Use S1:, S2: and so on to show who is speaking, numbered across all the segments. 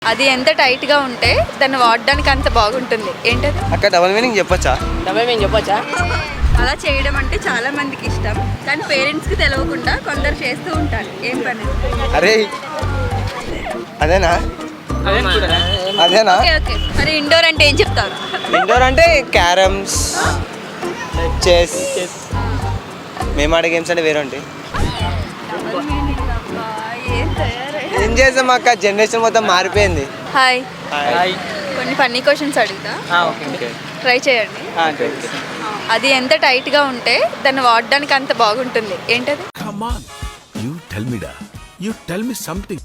S1: అది ఎంత టైట్ గా ఉంటే దాన్ని వాడడానికి అంత బాగుంటుంది. ఏంటది?
S2: అక్క డబుల్ మీనింగ్ చెప్పొచ్చా?
S1: అలా చేయడం అంటే చాలా మందికి ఇష్టం, కానీ పేరెంట్స్ కి తెలియకుండా కొందరు చేస్తూ ఉంటారు. ఏం పని?
S2: అరే అదేనా? అదేనా?
S1: Okay okay. మరి ఇండోర్ అంటే ఏం చెప్తారు?
S2: ఇండోర్ అంటే క్యారమ్స్, చెస్. మేము ఆడే గేమ్స్ అంటే వేరే ఉంటాయి. ఏం చేసాం అక్క, జనరేషన్ మొత్తం మారిపోయింది.
S1: Hi,
S2: hi.
S1: కొన్ని ఫన్నీ క్వశ్చన్స్ అడుగుతా, ట్రై చేయండి. అది ఎంత టైట్ గా ఉంటే దాన్ని వాడడానికి అంత బాగుంటుంది. ఏంటది?
S3: Come on, you tell me da. You tell me something.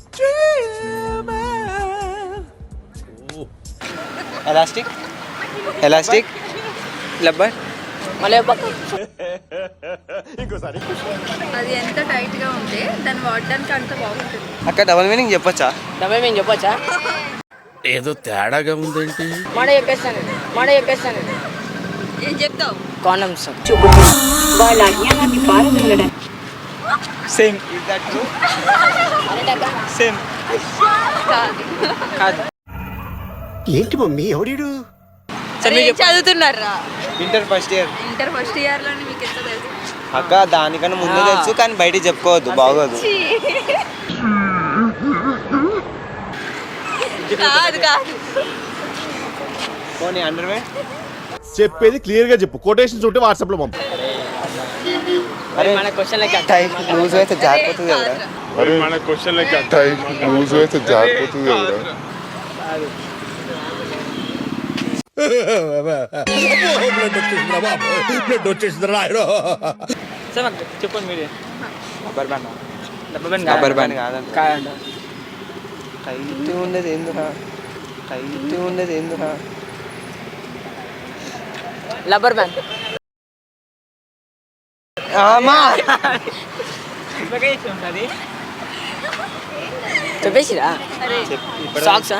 S2: Elastic, elastic, rubber.
S1: అది ఎంత టైట్ గా ఉంటే దాన్ని వాడడానికి అంత బాగుంటుంది.
S2: అక్క డబుల్ మీనింగ్ చెప్పొచ్చా?
S3: ఏదో తేడాగా ఉందేంటి?
S1: ఏం చెప్తావు?
S4: కాండమ్స్.
S2: సేమ్ సేమ్
S1: కాదు.
S5: ఏంటి మమ్మీ ఎవడీడు?
S1: చదువుతున్నారా?
S2: Inter first year.
S1: Inter first year లోనే మీకు ఎంత తెలుసు?
S2: అక్క దానికన్నా ముందు తెలుసు, కానీ బయటికి చెప్పుకోవద్దు, బాగోదు.
S1: కాదు కాదు.
S2: పోనీ అండర్వే.
S5: చెప్పేది క్లియర్ గా చెప్పు, కొటేషన్స్ ఉంటే వాట్సాప్ లో పంపు.
S2: అరే
S4: మన క్వశ్చన్
S2: టైం లూజ్ అయితే జారిపోతుంది కదా.
S6: అరే మన క్వశ్చన్ లెక్క టైం లూజ్ అయితే జారిపోతుంది కదా.
S5: బ్లడ్ వచ్చేసింది రాయడం.
S4: చెప్పండి మీరే.
S2: రబ్బర్ బ్యాండ్ కాదండి.
S4: కాదండి.
S2: టైట్ ఉండేది ఎందురా? టైట్ ఉండేది ఎందురా?
S4: Rubber band. చెప్పేసిరా? సాక్సా?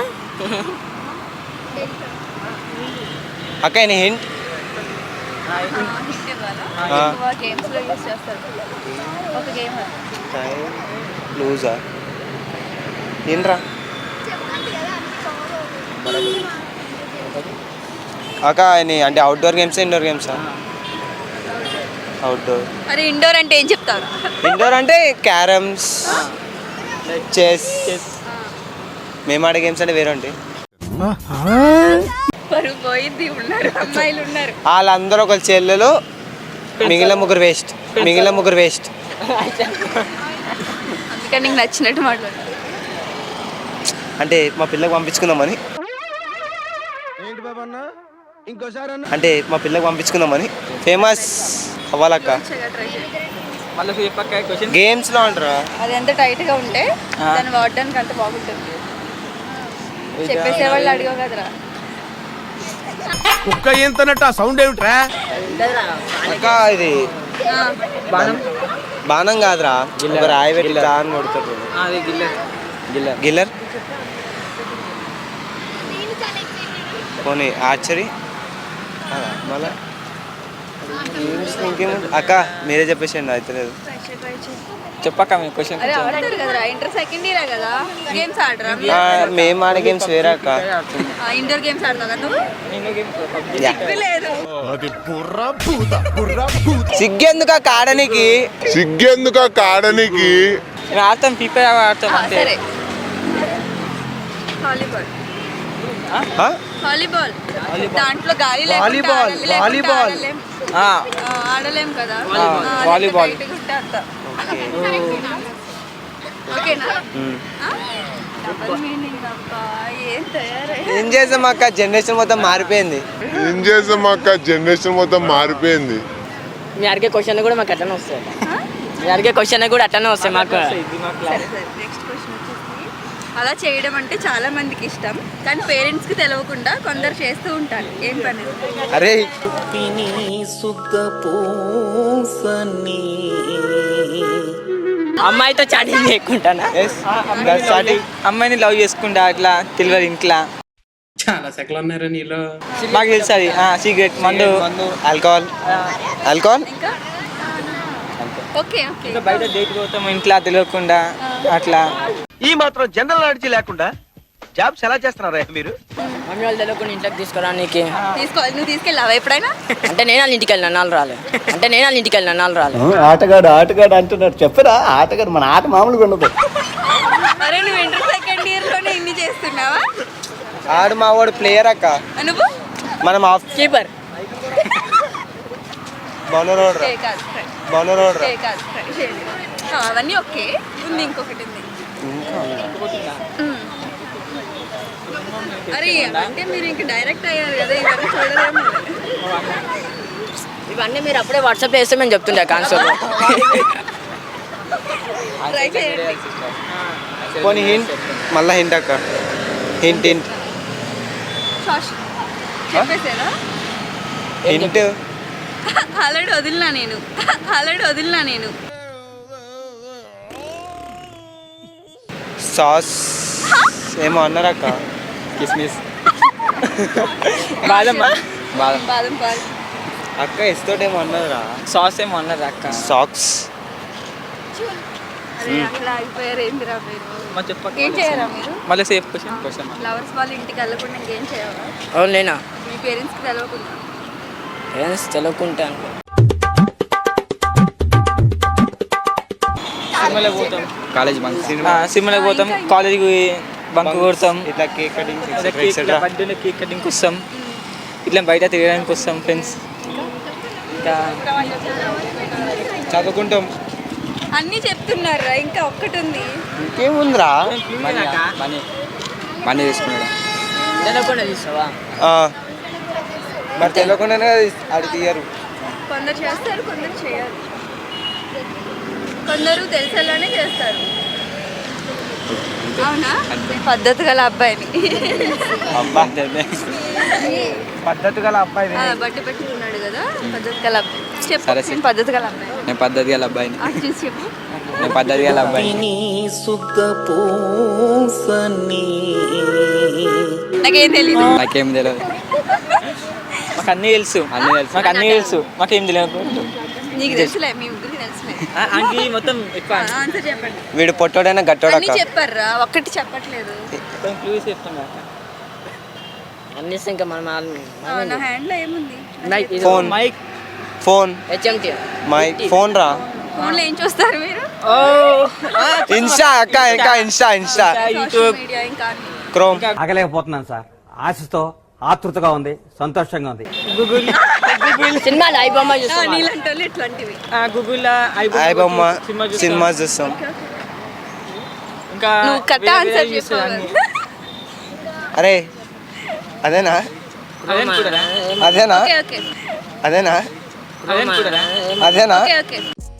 S2: అక్క ఆయన హింట్.
S1: ఎక్కువ గేమ్స్ లో యూస్ చేస్తారు. ఒక గేమ్
S2: లూజా ఏంట్రా? అక్క ఆయన అంటే అవుట్డోర్ గేమ్సా ఇండోర్ గేమ్సా? అవుట్డోర్.
S1: మరి ఇండోర్ అంటే ఏం చెప్తారు?
S2: ఇండోర్ అంటే క్యారమ్స్, చెస్. మేము ఆడే గేమ్స్ అంటే వేరే ఉంటాయి.
S1: పరుగు పోయింది. ఉన్నారు అమ్మాయిలు ఉన్నారు.
S2: వాళ్ళందరూ ఒక చెల్లెలు, మిగిలిన ముగ్గురు వేస్ట్.
S1: అందుకని నీకు నచ్చినట్టు మాట్లాడు.
S2: అంటే మా పిల్లకి పంపించుకుందామని. అంటే మా పిల్లకి పంపించుకుందామని ఫేమస్ అవ్వాలక్క. గేమ్స్ లో అంటారా?
S1: అది ఎంత టైట్ గా ఉంటే దాన్ని వాడడానికి అంత బాగుంటుంది. చెప్పేసే వాళ్ళు అడిగావు కదరా.
S5: కుక్క ఎంతనట్టు ఆ సౌండ్ ఏమిట్రా?
S2: అక్క ఇది బాణం కాదురా, ఒక రాయి పెట్టి దాన్ని కొడుతుంది. గిల్లర్. పోనీ ఆర్చరీ. మళ్ళా ఇంకేముంది అక్క, మీరే చెప్పేసేయండి, అయితే లేదు.
S4: చెప్పక్క మీ క్వశ్చన్.
S1: అరే ఆడతారు కదరా, ఇంటర్ సెకండ్ ఇయర్ కదా, గేమ్స్ ఆడరా?
S2: మేము ఆడే గేమ్స్ వేరే అక్క.
S1: ఇండోర్ గేమ్స్ ఆడతావు కదా నువ్వు? లేదు.
S2: సిగ్గెందుకు అక్క ఆడనికి?
S4: ఆడతాం, పీపర్ ఆడతాం.
S1: సరే, వాలీబాల్. దాంట్లో గాలి ఆడలేం కదా.
S4: వాలీబాల్.
S2: ఏం చేసాం అక్క, జనరేషన్ మొత్తం మారిపోయింది.
S4: మీ అడిగే క్వశ్చన్ కూడా మాకు అట్లనే వస్తాయి. మాకు.
S1: నెక్స్ట్ క్వశ్చన్ వచ్చేసి, అలా చేయడం అంటే చాలా మందికి ఇష్టం, కానీ పేరెంట్స్ కి తెలియకుండా కొందరు చేస్తూ ఉంటారు. ఏం పని?
S2: అరే
S4: అమ్మాయితో చాటింగ్ చేయకుంటానా? అమ్మాయిని లవ్ చేసుకుంటా అట్లా తెలియదు ఇంట్లో.
S3: చాలా సెకలు ఉన్నారా నీలో?
S4: మాకు తెలుసు అది సిగరెట్, మందు,
S2: ఆల్కహాల్.
S1: ఇంకా ఓకే ఓకే.
S4: ఇంకా బయట డేట్ పోతాము ఇంట్లో తెలియకుండా అట్లా.
S7: ఈ మాత్రం జనరల్ నాలెడ్జ్ లేకుండా జాబ్స్ ఎలా చేస్తున్నారా మీరు?
S4: మమ్మీ వాళ్ళు తెలియకుండా ఇంట్లోకి తీసుకురానికి.
S1: నువ్వు తీసుకెళ్ళావా ఎప్పుడైనా?
S4: అంటే నేను వాళ్ళ ఇంటికి వెళ్ళిన నాలుగు రాలే.
S8: ఆటగాడు అంటున్నాడు. చెప్పరా ఆటగాడు, మన ఆట మామూలుగా ఉండదు.
S1: అరే నువ్వు ఇంటర్ సెకండ్ ఇయర్ లోనే ఇన్ని చేస్తున్నావా?
S2: ఆడు మా వాడు ప్లేయర్ అక్క.
S1: నువ్వు
S2: మనం
S4: కీపర్.
S2: బౌలర్
S1: ఏ కాదు ఫ్రెండ్.
S2: బౌలర్
S1: ఏ కాదు ఫ్రెండ్ చేయండి. అవన్నీ ఓకే. ఉంది ఇంకొకటి ఉంది. అరే అంటే మీరు ఇంక డైరెక్ట్ అయ్యారు కదా, ఇవన్నీ చూడలేము.
S4: ఇవన్నీ మీరు అప్పుడే వాట్సాప్ చేస్తే మేము చెప్తుండే కాన్సెప్ట్.
S1: ట్రై చేయండి.
S2: పోనీ హింట్, మళ్ళా హింట్ అక్క. హింట్
S1: షాష్ చెప్పేసారా?
S2: హింట్
S1: ఆల్రెడీ వదిలినా నేను
S2: సాస్ ఏమో అన్నారు అక్క.
S4: కిస్మిస్. బాదం.
S1: బాదం పాలు.
S2: అక్క ఇస్తోటేమో అన్నారా?
S4: సాస్ ఏమో అన్నది అక్క.
S2: సాక్స్.
S1: అరే అక్కడ ఆగిపోయారు. ఏందిరా మీరు?
S4: చెప్పక
S1: ఏం చేయరా మీరు?
S4: మళ్ళీ సేఫ్ క్వశ్చన్.
S1: లవర్స్ వాళ్ళ ఇంటికి వెళ్ళకుండా ఇంకేం చేయాలా?
S4: అవునేనా?
S1: మీ పేరెంట్స్కి తెలవకుండా.
S4: పేరెంట్స్ తెలియకుంటాను. సినిమాలకు పోతాం, కాలేజ్ బంక్. సినిమాలకు పోతాం, కాలేజీకి బంక్ కొడతాం,
S2: ఇట్లా కేక్ కటింగ్
S4: బర్త్డేలో కేక్ కటింగ్కి వస్తాం, ఇట్లా బయట తిరగడానికి వస్తాం ఫ్రెండ్స్. ఇంకా
S2: చదువుకుంటాం.
S1: అన్నీ చెప్తున్నారా? ఇంకా ఒక్కటి ఉంది.
S2: ఇంకేముందిరా?
S4: మనీ తీసుకున్నాడు. తెలియకుండా తీసావా?
S2: మరి తెలియకుండానే అది తీయరు.
S1: కొందరు చేస్తారు, కొందరు చేయరు. కొందరు తెలిసేలానే చేస్తారు. అవునా? పద్ధతి గల అబ్బాయిని.
S2: పద్ధతి గల అబ్బాయి.
S1: బట్టి పెట్టుకున్నాడు కదా, పద్ధతి గల అబ్బాయి. చెప్పు.
S4: సరే,
S1: నేను పద్ధతి గల అబ్బాయి.
S4: నేను పద్ధతి గల అబ్బాయిని.
S1: అది చూసి చెప్పు.
S4: నేను పద్ధతి గల అబ్బాయిని.
S1: నాకేం తెలీదు.
S4: నాకేం తెలియదు. మాకు అన్నీ తెలుసు. మాకేం తెలియదు.
S1: నీకు తెలుసులే, మీ ముగ్గురికి తెలుసులే.
S4: అంటే మొత్తం ఎక్కువ
S1: ఆన్సర్ చెప్పండి.
S2: వీడు పొట్టోడైనా గట్టోడు
S1: అన్నీ
S2: అక్క.
S1: చెప్పారా? ఒక్కటి చెప్పట్లేదు.
S4: క్లూస్ చెప్తాం అన్నీ. ఇంకా మనం
S1: నా హ్యాండ్ లో ఏముంది?
S2: Phone.
S4: Mike.
S2: Phone.
S4: HMT.
S2: Mike. Phone రా.
S1: ఫోన్ లో ఏం చూస్తారు మీరు?
S2: ఇన్స్టా అక్క. ఇంకా ఇన్స్టా
S1: సోషల్ మీడియా ఇంకా అన్ని.
S2: క్రోమ్.
S8: ఆగలేకపోతున్నాను సార్. ఆశతో ఆతృతగా ఉంది, సంతోషంగా ఉంది.
S4: గూగుల్.
S1: సినిమాలు ఐబొమ్మ చూస్తాం. నీలాంటి వాళ్ళు ఇట్లాంటివి.
S4: గూగుల్లో
S2: ఐబొమ్మ సినిమా చూస్తాం.
S4: ఇంకా
S1: నువ్వు కరెక్ట్ ఆన్సర్ చెప్పావు.
S2: అరే అదేనా?
S1: ఓకే ఓకే
S2: అదేనా?
S1: Okay okay.